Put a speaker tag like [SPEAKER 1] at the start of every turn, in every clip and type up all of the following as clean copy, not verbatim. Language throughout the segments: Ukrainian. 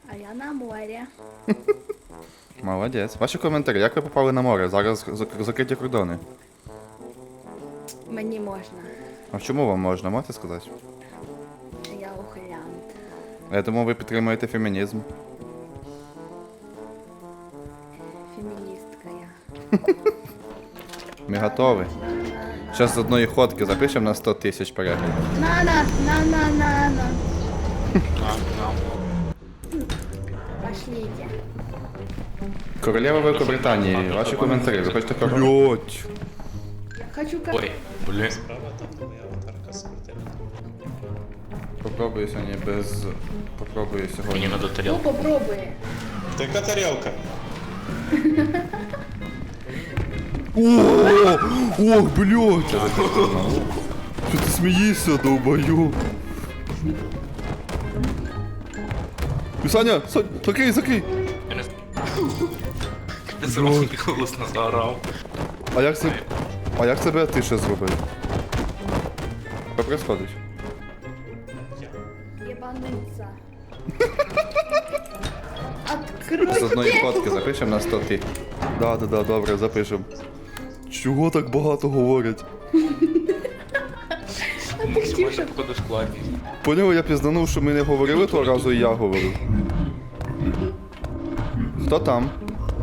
[SPEAKER 1] А я на морі.
[SPEAKER 2] Молодець. Ваші коментарі, як ви попали на море? Зараз закриті кордони.
[SPEAKER 1] Мені можна.
[SPEAKER 2] А чому вам можна, можете сказати?
[SPEAKER 1] Я ухилянт.
[SPEAKER 2] Я думаю, ви підтримуєте фемінізм.
[SPEAKER 1] Феміністка я.
[SPEAKER 2] Ми готові. Зараз з одної ходки запишемо на 100 тисяч переглядів.
[SPEAKER 1] На. Пошлите.
[SPEAKER 2] Королева Великобританії, ваші коментарі. Ви хочете король?
[SPEAKER 1] Хочу
[SPEAKER 3] Ой, блін.
[SPEAKER 4] Справа там, де моя аватарка з крутими.
[SPEAKER 2] Попробую сьогодні без... Попробую
[SPEAKER 3] Мені
[SPEAKER 2] сьогодні.
[SPEAKER 3] надо
[SPEAKER 1] Ну,
[SPEAKER 3] тарілку.
[SPEAKER 1] попробуй.
[SPEAKER 4] Така тарілка.
[SPEAKER 2] Ох, блядь! Що ти смієшся, долбою? Саня, закрий!
[SPEAKER 3] Я не Ти зробив голосно заорав.
[SPEAKER 2] А як це ти ще зробив? Що происходить?
[SPEAKER 1] Єбаниця.
[SPEAKER 2] З одної
[SPEAKER 1] Откройте.
[SPEAKER 2] фотки запишемо на 100 тисяч. Да, добре, запишемо. Чого так багато говорять?
[SPEAKER 3] Максимально походу складність.
[SPEAKER 2] Поняв, я пізданув, що ми не говорили того разу, і я говорив. Хто там?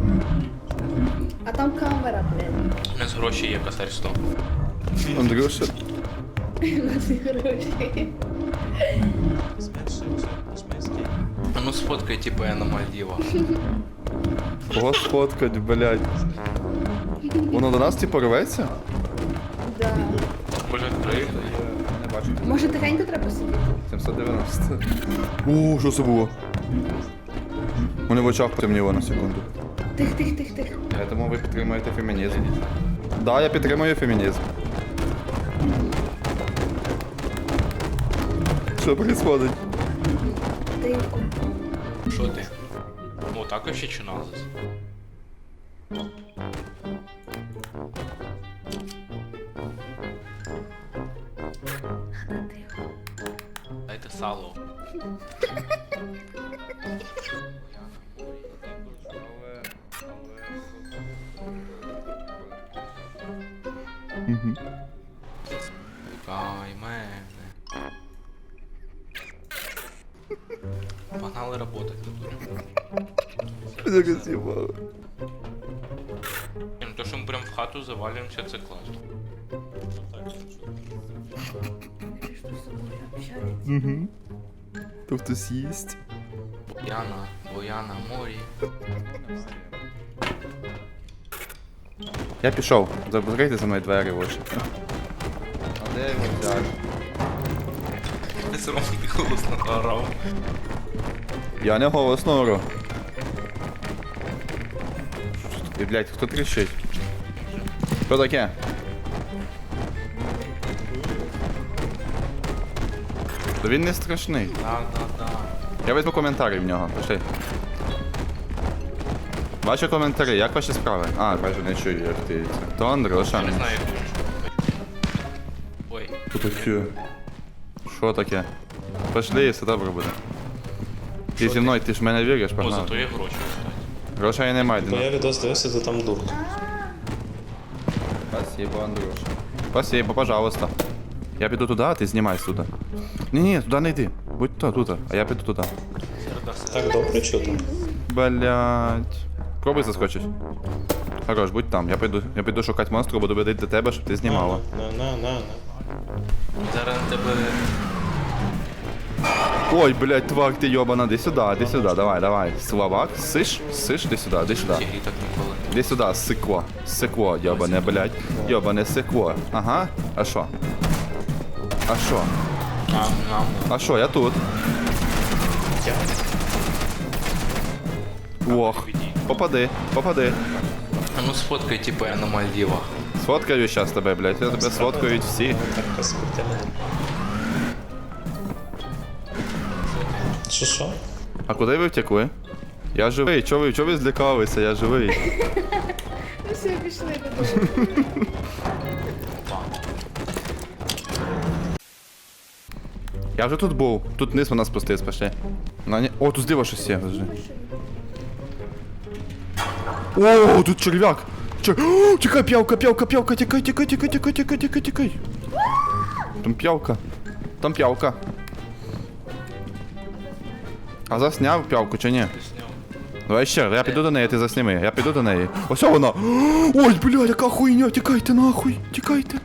[SPEAKER 1] А там камера, блядь.
[SPEAKER 3] У нас гроші є, косарь 100.
[SPEAKER 2] Андрюша?
[SPEAKER 1] На ці гроші.
[SPEAKER 4] Зменшився, космійський.
[SPEAKER 3] А ну сфоткай, типу, я на Мальдівах.
[SPEAKER 2] Кого сфоткать, блядь? Воно до нас типу рветься?
[SPEAKER 1] Да.
[SPEAKER 3] Може, відкрити?
[SPEAKER 2] Не бачу.
[SPEAKER 1] Може тихенько треба сидіти?
[SPEAKER 2] 790. О, що це було? У мене в очах потемніло на секунду.
[SPEAKER 1] Тих.
[SPEAKER 2] Я думаю, ви підтримуєте фемінізм. Да, я підтримую фемінізм. Що происходить?
[SPEAKER 1] Тихо.
[SPEAKER 3] Що ти? Ну, так вообще чи назис?
[SPEAKER 1] Тихо.
[SPEAKER 3] Дайте сало. Чекай мене. Погнали работать тут.
[SPEAKER 2] Що з'їбало?
[SPEAKER 3] Ну то, що ми прям в хату завалюємося, це класно.
[SPEAKER 1] Між собою общаються.
[SPEAKER 2] То хтось їсть.
[SPEAKER 3] Бояна, морі.
[SPEAKER 2] Я пішов. Закрийте за мною двері в очі. А де його взяти?
[SPEAKER 3] Ти все одно голосно заорав.
[SPEAKER 2] Я не голосно ору. І, блядь, хто тріщить? Що таке? То він не страшний.
[SPEAKER 3] Да.
[SPEAKER 2] Я візьму коментарі в нього, пиши. Ваші коментарі, як ваші справи? А, бачу, не чую, як ти. То Андрюша.
[SPEAKER 3] Я не знаю, як він. Ой,
[SPEAKER 2] Що таке? Що таке? Пошли, все добре буде. Ти зі мною, ти ж в мене віриш,
[SPEAKER 3] о,
[SPEAKER 2] погнали.
[SPEAKER 3] зато є гроші, кстати.
[SPEAKER 2] Грошей немає,
[SPEAKER 4] Бо я
[SPEAKER 2] Діна.
[SPEAKER 4] відос дивився, то там дурка.
[SPEAKER 2] Спасибо, Андрюша. Спасибо, пожалуйста. Я піду туди, а ти знімай сюди. Ні, туди не йди. Будь то, тут, а я піду туди.
[SPEAKER 4] Так добре чути.
[SPEAKER 2] Блять. Пробуй заскочить. Хорош, будь там. Я піду шукати монстру, буду бити до тебе, щоб ти знімала.
[SPEAKER 4] На.
[SPEAKER 3] Зараз на тебе...
[SPEAKER 2] Ой, блять, тварь ти йобана, іди сюди, давай. Словак, сиш, іди сюди.
[SPEAKER 3] Ці грі так ніколи.
[SPEAKER 2] Іди сюди, сикло, йобане, блять. Йобане сикло. Ага, а що? А що, я тут. Ох, попади.
[SPEAKER 3] А ну сфоткай, типу, я на Мальдівах.
[SPEAKER 2] Сфоткаю щас тебе, блять, я тебе сфоткають всі.
[SPEAKER 4] Аватарка з крутими. Що?
[SPEAKER 2] А куди ви втекли? Я живий, чого ви злякалися, я живий.
[SPEAKER 1] Ну все, пішли додому.
[SPEAKER 2] Я вже тут був. Тут вниз вона спустилась, пошли. О, тут зліва щось є. Подожди. О, тут черв'як. О, тікай, п'явка, тікай. Там п'явка. А засняв п'явку чи ні?
[SPEAKER 3] Ти сняв.
[SPEAKER 2] Давай ще, я піду до неї, ти засніми. Я піду до неї. Ось вона. Ой, бля, яка хуйня, тікайте нахуй, тікайте.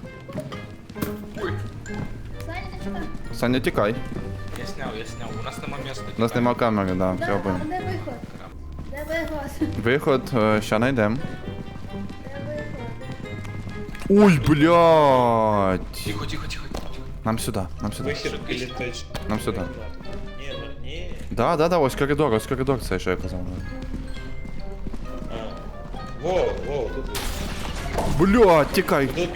[SPEAKER 2] Саня, тікай.
[SPEAKER 3] Я сняв. У нас нема місця.
[SPEAKER 2] У нас нема камери, да,
[SPEAKER 1] Да,
[SPEAKER 2] все
[SPEAKER 1] а
[SPEAKER 2] понял.
[SPEAKER 1] де виход? Де виход?
[SPEAKER 2] Виход, ща найдем.
[SPEAKER 1] Де виход?
[SPEAKER 2] Ой, блядь.
[SPEAKER 3] Тихо.
[SPEAKER 2] Нам сюди.
[SPEAKER 4] Вихід і літач.
[SPEAKER 2] Нам сюди.
[SPEAKER 4] Ні.
[SPEAKER 2] Да, ось коридор, це що я казав.
[SPEAKER 4] Во, тут.
[SPEAKER 2] Блядь, тікай.
[SPEAKER 4] Тут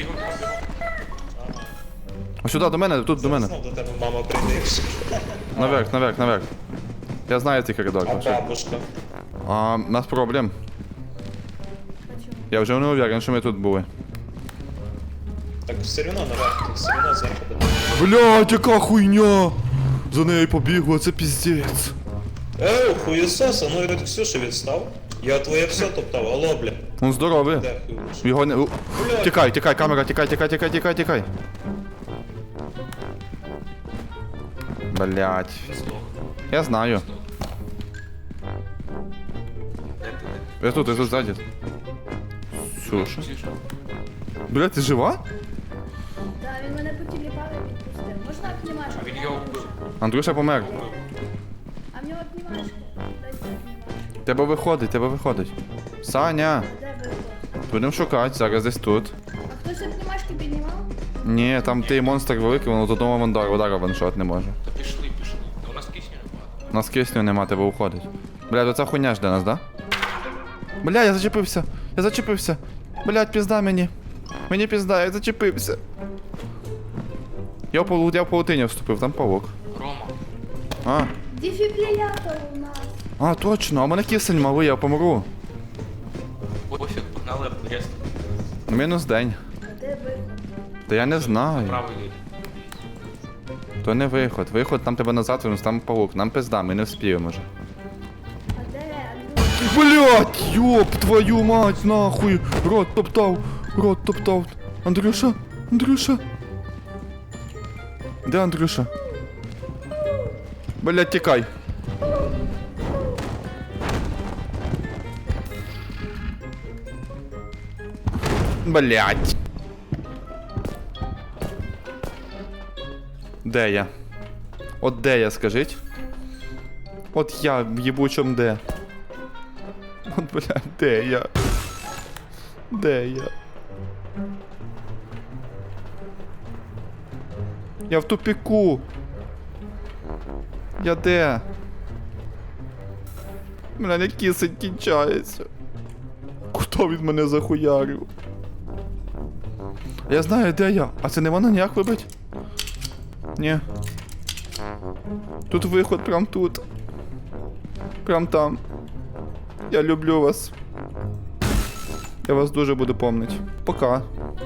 [SPEAKER 2] Ось сюди, до мене, тут до мене.
[SPEAKER 4] Знов до тебе мама прийде.
[SPEAKER 2] Наверх. Я знаю цей коридор.
[SPEAKER 4] А
[SPEAKER 2] пошли.
[SPEAKER 4] бабушка?
[SPEAKER 2] У нас проблем.
[SPEAKER 1] Почему?
[SPEAKER 2] Я вже не уверен, що ми тут були.
[SPEAKER 4] Так все одно наверх, тут все одно зверху буде.
[SPEAKER 2] Блядь, яка хуйня! За нею побігла, це піздець.
[SPEAKER 4] Хуєсос, а ну від Ксюші відстав. Я твоє все топтав, алло, бля.
[SPEAKER 2] Он здоровий.
[SPEAKER 4] Де хуєш?
[SPEAKER 2] Його не... Тікай, камера, тікай. Блядь.
[SPEAKER 3] Він здох.
[SPEAKER 2] Я знаю.
[SPEAKER 3] Де ти?
[SPEAKER 2] Я тут ззаді. Сюша.
[SPEAKER 3] Тише.
[SPEAKER 2] Блядь, ти жива?
[SPEAKER 1] Да, він мене потіліпав і відпустив. Можна обнімашки?
[SPEAKER 3] А він його вбив.
[SPEAKER 2] Андрюша помер.
[SPEAKER 1] А в нього обнімашки. Дай це обнімашки.
[SPEAKER 2] Тебе виходить. Саня,
[SPEAKER 1] Де виход?
[SPEAKER 2] будемо шукати, зараз десь тут.
[SPEAKER 1] А хтось обнімашки піднімав?
[SPEAKER 2] Ні, там той монстр великий, воно з одного удара ваншот не може.
[SPEAKER 3] Та пішли. Та у нас кисню немає.
[SPEAKER 2] У нас кисню нема, тебе уходить. Блядь, оця хуйня жде нас, да? Бля, я зачепився. Блядь, пізда мені. Мені пізда, я зачепився. Я в паутині вступив, там павук.
[SPEAKER 3] Рома.
[SPEAKER 1] Дефібрилятор у нас.
[SPEAKER 2] Точно, а в мене кисень малий, я помру.
[SPEAKER 3] Пофіг, погнали об'їзд.
[SPEAKER 2] Мінус день.
[SPEAKER 1] А де виход?
[SPEAKER 2] Та я не знаю.
[SPEAKER 3] Правий йди.
[SPEAKER 2] То не виход. Виход там тебе назад винус, там павук. Нам пизда, ми не вспіємо вже.
[SPEAKER 1] А де Андрюш?
[SPEAKER 2] Блять, ёб твою мать, нахуй. Рот топтав. Андрюша. Де Андрюша? Блять, тікай. Блять. Де я? От де я, скажіть? От я в єбучому де. От, блядь, де я? Де я? Я в тупіку. Я де? Мене кисень кінчається. Хто від мене захуярив? Я знаю, де я. А це не можна ніяк вибити? Ні. Тут виход, прям тут. Прям там. Я люблю вас. Я вас дуже буду помнити. Пока.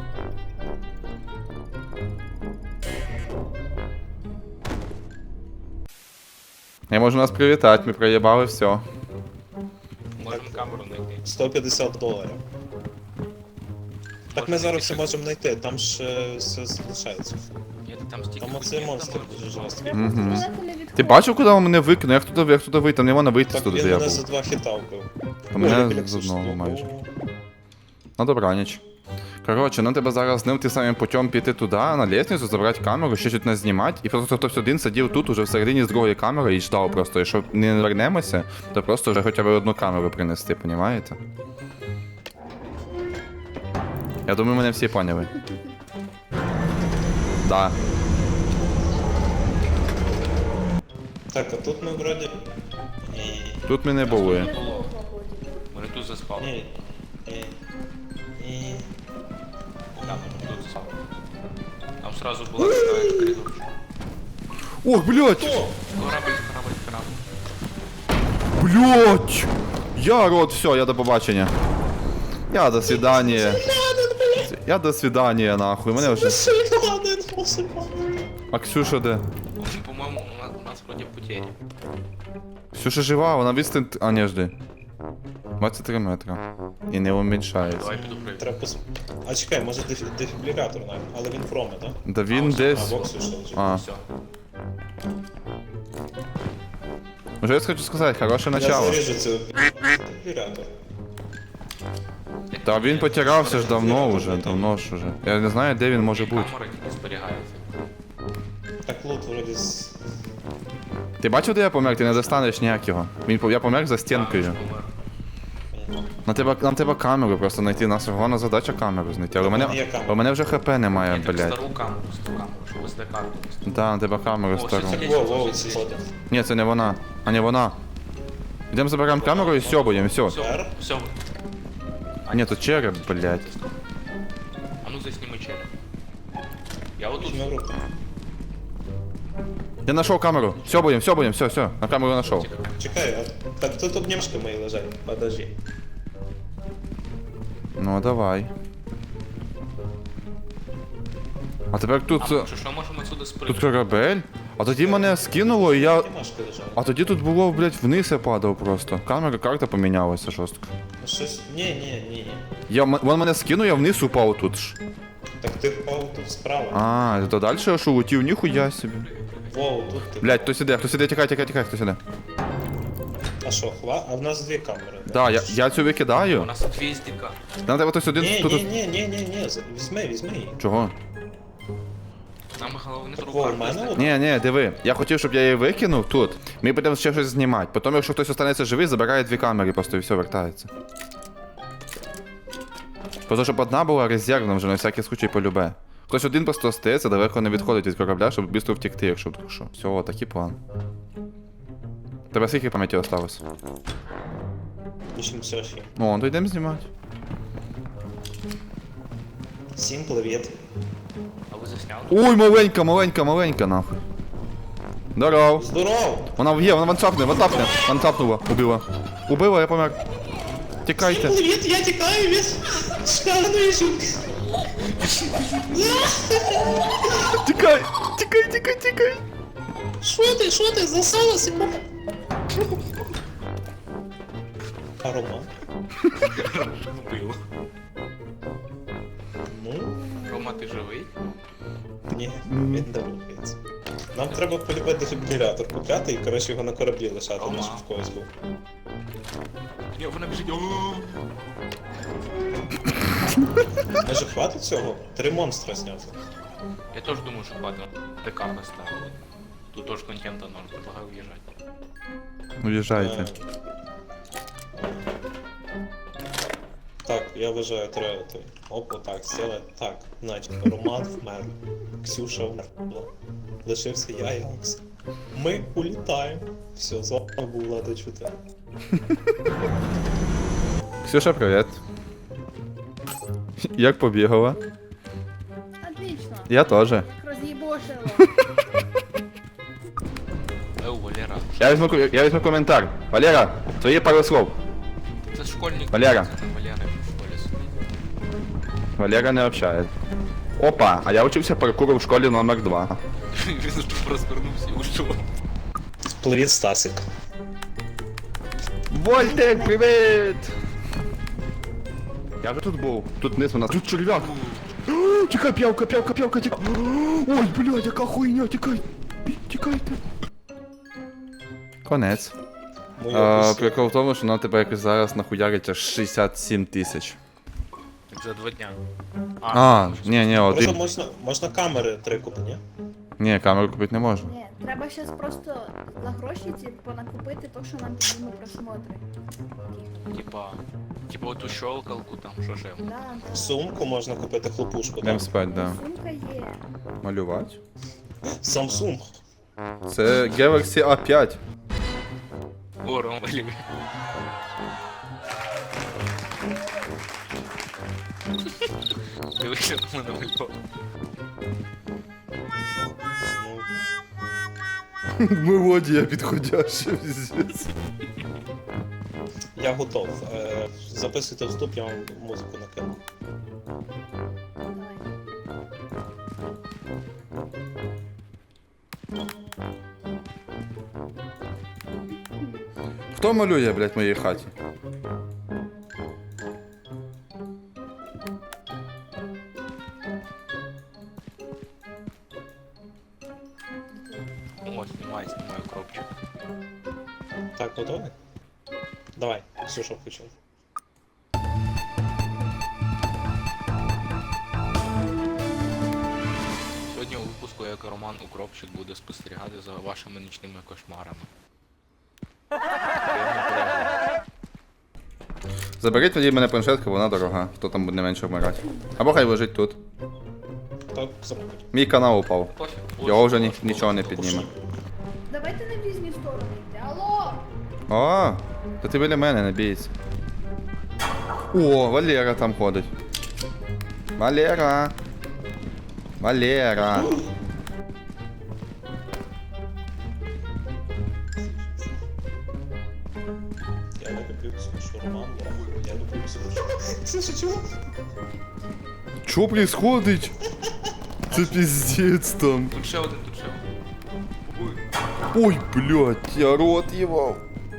[SPEAKER 2] Я можу нас привітати, ми проїбали все.
[SPEAKER 3] Можемо камеру знайти.
[SPEAKER 4] $150. Так ми зараз все можемо знайти, там ж все залишається.
[SPEAKER 3] Ні, там стільки.
[SPEAKER 4] Там оцей монстр дуже жорсткий.
[SPEAKER 1] Я просто далеко не відходжу.
[SPEAKER 2] Ти бачив, куди він мене викинув? Як туди вийти? Там не можна вийти
[SPEAKER 4] Так
[SPEAKER 2] туди,
[SPEAKER 4] він
[SPEAKER 2] де я
[SPEAKER 4] мене
[SPEAKER 2] був.
[SPEAKER 4] за 2 хіта вбив.
[SPEAKER 2] А мене
[SPEAKER 4] Ой, як
[SPEAKER 2] з одного
[SPEAKER 4] смішно.
[SPEAKER 2] майже. На добраніч. Коротше, нам треба зараз з ним тим самим путем піти туди, на лестницю, забрати камеру, ще щось нас знімати. І просто хтось один сидів тут, уже всередині з другої камери і ждав просто. Якщо не вернемося, то просто вже хоча б одну камеру принести, понімаєте? Я думаю, мене всі поняли. Да.
[SPEAKER 4] Так, а тут ми вроді... Ні.
[SPEAKER 2] Тут ми не були.
[SPEAKER 3] Не було. Вони тут заспали.
[SPEAKER 4] Ні.
[SPEAKER 3] Камеру тут заспали. Там сразу була така коридорчик.
[SPEAKER 2] Ох, блядь!
[SPEAKER 3] Корабль.
[SPEAKER 2] Блядь! Я рот, все, я до побачення. Я до свидания. Я до свидания, нахуй. Мене вже... А Ксюша де?
[SPEAKER 3] потери.
[SPEAKER 2] Ксюша жива, вона відстань... А, ні, жди. 23 метра. І не уміншається.
[SPEAKER 3] Давай піду прийду.
[SPEAKER 4] Треба А чекай, може дефібрилятор навіть, але він проме, так?
[SPEAKER 2] Да він десь...
[SPEAKER 4] А, боксу що лежить.
[SPEAKER 2] А,
[SPEAKER 3] Все.
[SPEAKER 2] вже я хочу сказати, хороше
[SPEAKER 4] Я
[SPEAKER 2] начало.
[SPEAKER 4] заріжу цей дефібрилятор.
[SPEAKER 2] Та він потирався ж давно вже, давно ж уже. Я не знаю, де він може бути.
[SPEAKER 3] Камери тільки зберігаються.
[SPEAKER 4] Так лут вроді з...
[SPEAKER 2] Ти бачив, де я помер? Ти не достанеш ніяк його. Я помер за стінкою.
[SPEAKER 3] Помер.
[SPEAKER 2] Нам треба камеру просто знайти. У нас головна задача камеру знайти. Але
[SPEAKER 4] Є камера.
[SPEAKER 2] у мене вже хп немає,
[SPEAKER 3] Ні, так
[SPEAKER 2] блядь.
[SPEAKER 3] стару камеру, щоб SD-карту.
[SPEAKER 2] Да, нам треба камеру
[SPEAKER 3] О,
[SPEAKER 2] стару.
[SPEAKER 3] все,
[SPEAKER 4] Воу, ці сходи.
[SPEAKER 2] Ні, це не вона. А не вона. Йдемо заберемо камеру і сьобуємо, все.
[SPEAKER 3] Все, все.
[SPEAKER 2] А ні, тут череп, блядь.
[SPEAKER 3] А ну засніми череп. Я отут.
[SPEAKER 4] Візьми в руку.
[SPEAKER 2] Я знайшов камеру. Сьобуємо, все. На камеру знайшов.
[SPEAKER 4] Чекай, а так тут обнімшки мої лежать. Подожди.
[SPEAKER 2] Ну, давай. А тепер тут...
[SPEAKER 3] А, що можемо отсюди
[SPEAKER 2] Тут
[SPEAKER 3] спригнути?
[SPEAKER 2] корабель? А тоді мене скинуло і я...
[SPEAKER 4] Обнімашки лежать.
[SPEAKER 2] А тоді тут було, блядь, вниз я падав просто. Карта помінялася жорстко.
[SPEAKER 4] Щось... Ні.
[SPEAKER 2] Вон мене скинув, я вниз упав тут ж.
[SPEAKER 4] Так ти впав тут справа.
[SPEAKER 2] А, то далі я що летів, ніхуя собі.
[SPEAKER 4] Воу, тут ти.
[SPEAKER 2] Блядь, хтось іде, тікай, хтось іде.
[SPEAKER 4] А що, А в нас дві камери.
[SPEAKER 2] Да, я цю
[SPEAKER 3] У
[SPEAKER 2] викидаю.
[SPEAKER 3] нас тут віздика.
[SPEAKER 2] Нам треба хтось один тут...
[SPEAKER 4] Ні, візьми її.
[SPEAKER 2] Чого?
[SPEAKER 3] Нам головне
[SPEAKER 4] Так, во, в
[SPEAKER 3] рука.
[SPEAKER 4] мене от-
[SPEAKER 2] Ні, диви. Я хотів, щоб я її викинув тут. Ми будемо ще щось знімати. Потім, якщо хтось останеться живий, забирає дві камери просто і все, вертається. Просто щоб одна була резервна вже на всякий случай полюбе. Хтось один просто остається, далеко не відходить від корабля, щоб швидко втекти, якщо вдруг що. Все, такий план. Тебе скільки пам'яті осталось?
[SPEAKER 4] 86.
[SPEAKER 2] О, то йдемо знімати.
[SPEAKER 4] Всім привіт.
[SPEAKER 3] А ви засняли?
[SPEAKER 2] Ой, маленька, нахуй. Здоров.
[SPEAKER 4] Здорово!
[SPEAKER 2] Вона вантапнула, убила. Убила, я помер. Тікайте.
[SPEAKER 4] Привіт, я тікаю від шкарної жінки.
[SPEAKER 2] Тікай.
[SPEAKER 4] Що ти, засалася? А Рома?
[SPEAKER 3] Вбив.
[SPEAKER 4] Ну,
[SPEAKER 3] Рома, ти живий?
[SPEAKER 4] ні, він не рухається. Нам треба полюбити дефібрилятор купляти і, коротше, його на кораблі лишати,
[SPEAKER 3] Рома.
[SPEAKER 4] щоб в когось був.
[SPEAKER 3] Ні, вона біжить.
[SPEAKER 4] Може хватить цього? 3 монстра зняти.
[SPEAKER 3] Я теж думаю, що хватить. ТК поставили. Тут теж контента норм, предлагаю уїжджати.
[SPEAKER 2] Уїжджайте.
[SPEAKER 4] Так, я вважаю, треба той. Опа, так, сіла. Так, значить, Роман вмер. Ксюша вмерла. Лишився я і Макс. Ми улітаємо. Все, з вами був Влада Чути.
[SPEAKER 2] Ксюша, привіт. Як побігала?
[SPEAKER 1] Отлично.
[SPEAKER 2] Я теж.
[SPEAKER 1] Роз'їбошило.
[SPEAKER 3] Валера.
[SPEAKER 2] Я візьму коментар. Валера, твої пару слов.
[SPEAKER 3] Це школьник.
[SPEAKER 2] Валера.
[SPEAKER 3] Це Валера в школі сидить.
[SPEAKER 2] Валера не общає. Опа, а я учився паркуру в школі номер 2.
[SPEAKER 3] Він тут розвернувся і ушов.
[SPEAKER 4] Привіт, Стасик.
[SPEAKER 2] Вольтек, привіт! Я вже тут був. Тут вниз вона. Тут черв'як. Тікай, п'явка, тікай. Ой, блядь, яка хуйня, тікай. Тікайте. Конець. Прикол в тому, що нам тебе якось зараз нахуярить аж 67 тисяч.
[SPEAKER 3] За 2 дня.
[SPEAKER 2] Ні,
[SPEAKER 4] Просто
[SPEAKER 2] один.
[SPEAKER 4] можна камери 3 купити, ні?
[SPEAKER 2] Ні, камеру купити не можна.
[SPEAKER 1] Ні, треба щас просто за гроші накупити то, що нам підійме просмотри.
[SPEAKER 3] Типа оту щелкалку там, що ще.
[SPEAKER 1] Да.
[SPEAKER 4] Сумку можна купити, хлопушку,
[SPEAKER 2] Йдемо
[SPEAKER 4] так?
[SPEAKER 2] спать, да.
[SPEAKER 1] Сумка є.
[SPEAKER 2] Малювати.
[SPEAKER 4] Samsung.
[SPEAKER 2] Це Galaxy A5.
[SPEAKER 3] О, Рома, блін. Дивись, що там намалював.
[SPEAKER 4] Ну,
[SPEAKER 2] Мелодія підходяща.
[SPEAKER 4] я готов. Записуйте вступ, я вам музику накину.
[SPEAKER 1] Давай.
[SPEAKER 2] Хто малює, блядь, в моїй хаті?
[SPEAKER 3] О, знімаю кропчик.
[SPEAKER 4] Так, готовий? Давай, Ксюша включила.
[SPEAKER 3] Сьогодні у випуску як Роман Укропчик буде спостерігати за вашими нічними кошмарами. Приємного перегляду.
[SPEAKER 2] Заберіть тоді мене планшетку, вона дорога. Хто там буде менше вмирати. Або хай лежить тут.
[SPEAKER 4] Так, забудь.
[SPEAKER 2] Мій канал упав.
[SPEAKER 3] Пофіг.
[SPEAKER 2] Його вже нічого не підніме.
[SPEAKER 1] Давайте на різні сторони йти. Алло!
[SPEAKER 2] О, то ти біля мене, не бійся. О, Валера там ходить. Валера. Валера.
[SPEAKER 4] Я не люблю Ксюшу, Роман, я люблю Ксюшу. Ксюша, чого?
[SPEAKER 2] Що происходить? Це пиздец там.
[SPEAKER 3] Тут ще один, тут ще один.
[SPEAKER 2] Ой, блядь, я рот ївав.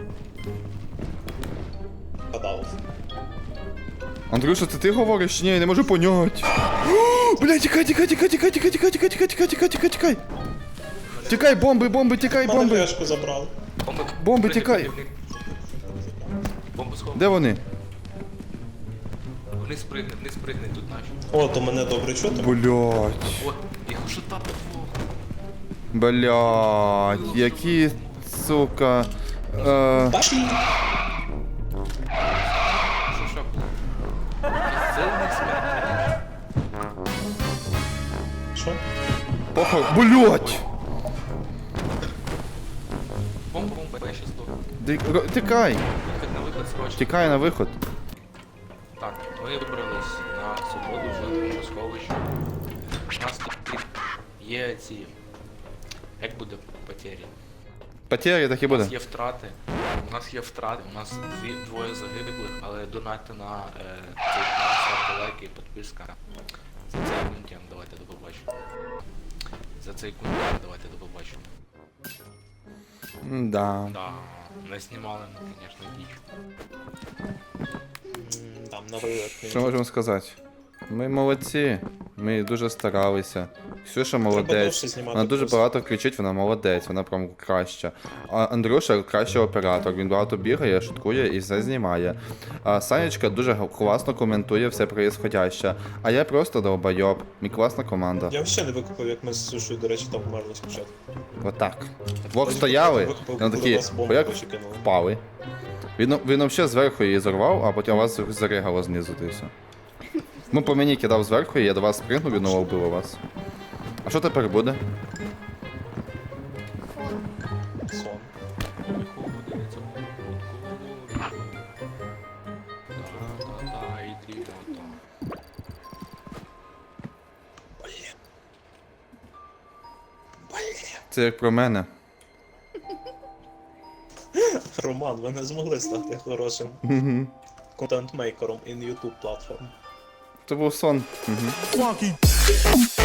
[SPEAKER 4] Гадав.
[SPEAKER 2] Андрюша, це ти говориш? Ні, я не можу понять. Блядь, тікай, тікай, тікай, тікай, тікай, тікай, тікай, тікай, тікай, тікай, тікай, тікай. Тікай, бомби, бомби, тікай,
[SPEAKER 4] Мене
[SPEAKER 2] бомби.
[SPEAKER 4] флешку забрали.
[SPEAKER 2] Бомби,
[SPEAKER 3] Пригни,
[SPEAKER 2] тікай.
[SPEAKER 3] пригни, пригни. Бомбу сховай.
[SPEAKER 2] Де вони?
[SPEAKER 3] Вниз пригни, тут наші.
[SPEAKER 4] О, то мене добре чути.
[SPEAKER 2] Блядь.
[SPEAKER 3] О, їх уже тапи двох.
[SPEAKER 2] Блядь, які, сука.
[SPEAKER 4] Пошли!
[SPEAKER 3] Що було? Сильний смерть.
[SPEAKER 4] Що?
[SPEAKER 2] Похуй. Блядь.
[SPEAKER 3] Бомба, я щас здохну.
[SPEAKER 2] Тікай.
[SPEAKER 3] Виходь на виход срочно.
[SPEAKER 2] Тікай на виход.
[SPEAKER 3] Так, ми вибрались на свободу жодного сховища. У нас тут є ці... Як буде потері?
[SPEAKER 2] Потері так і
[SPEAKER 3] У нас
[SPEAKER 2] буде.
[SPEAKER 3] є втрати. У нас двоє загиблих, але донати на цей канал, ставте лайки і підписка. За цей контент давайте до побачення. За цей контент давайте до побачення.
[SPEAKER 2] Да.
[SPEAKER 3] Да, не знімали ми, звісно, діч.
[SPEAKER 4] Там на вилет.
[SPEAKER 2] Що можемо сказати? Ми молодці. Ми дуже старалися. Ксюша
[SPEAKER 4] Треба
[SPEAKER 2] молодець.
[SPEAKER 4] довше знімати
[SPEAKER 2] Вона дуже
[SPEAKER 4] просто.
[SPEAKER 2] багато кричить, вона молодець, вона прям краща. А Андрюша кращий оператор, він багато бігає, шуткує і все знімає. А Санечка дуже класно коментує все происходяще. А я просто долбойоб. Мій класна команда.
[SPEAKER 4] Я взагалі не викупив, як ми з Ксюшою, до речі, там вмерли спочатку.
[SPEAKER 2] Отак. Двох
[SPEAKER 4] Ось
[SPEAKER 2] стояли,
[SPEAKER 4] викупив,
[SPEAKER 2] і вони
[SPEAKER 4] коли
[SPEAKER 2] такі,
[SPEAKER 4] вас бомбу
[SPEAKER 2] як
[SPEAKER 4] почекинули.
[SPEAKER 2] впали. Він взагалі зверху її зорвав, а потім вас заригало знизу, то і все. Ну, по мені кидав зверху, і я до вас спригнув і знову вбив вас. А що тепер буде?
[SPEAKER 4] Сон.
[SPEAKER 3] Виходить, та-та-та, ідіота.
[SPEAKER 2] Це як про мене.
[SPEAKER 4] Роман, ви не змогли стати хорошим контент-мейкером in YouTube платформ.
[SPEAKER 2] Це був сон.
[SPEAKER 5] Funky.